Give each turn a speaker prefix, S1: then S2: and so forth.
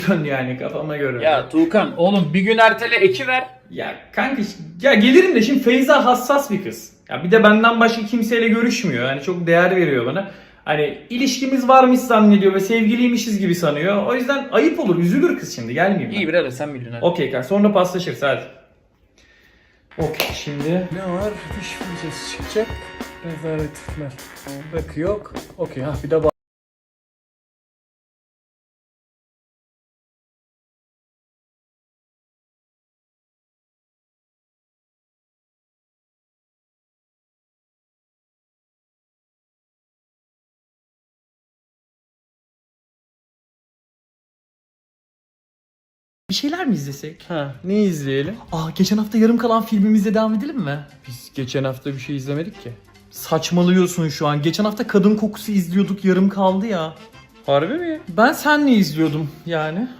S1: yani kafama göre.
S2: Ya Tuğkan oğlum bir gün ertele eki ver.
S1: Ya kanka ya gelirim de şimdi Feyza hassas bir kız. Ya bir de benden başka kimseyle görüşmüyor. Yani çok değer veriyor bana. Hani ilişkimiz varmış zannediyor ve sevgiliymişiz gibi sanıyor. O yüzden ayıp olur, üzülür kız şimdi. Gelmeyeyim ben.
S2: İyi birader sen milyon hadi.
S1: Okey kanka, sonra paslaşırız hadi. Okey şimdi.
S3: Ne var? Diş fırçası çıkacak. Rezalet etme. Rakı yok. Okey ha bir de
S1: Bir şeyler mi izlesek?
S3: Ha, ne izleyelim?
S1: Geçen hafta yarım kalan filmimizle devam edelim mi?
S3: Biz geçen hafta bir şey izlemedik ki.
S1: Saçmalıyorsun şu an. Geçen hafta Kadın Kokusu izliyorduk, yarım kaldı ya.
S3: Harbi mi?
S1: Ben senle izliyordum yani.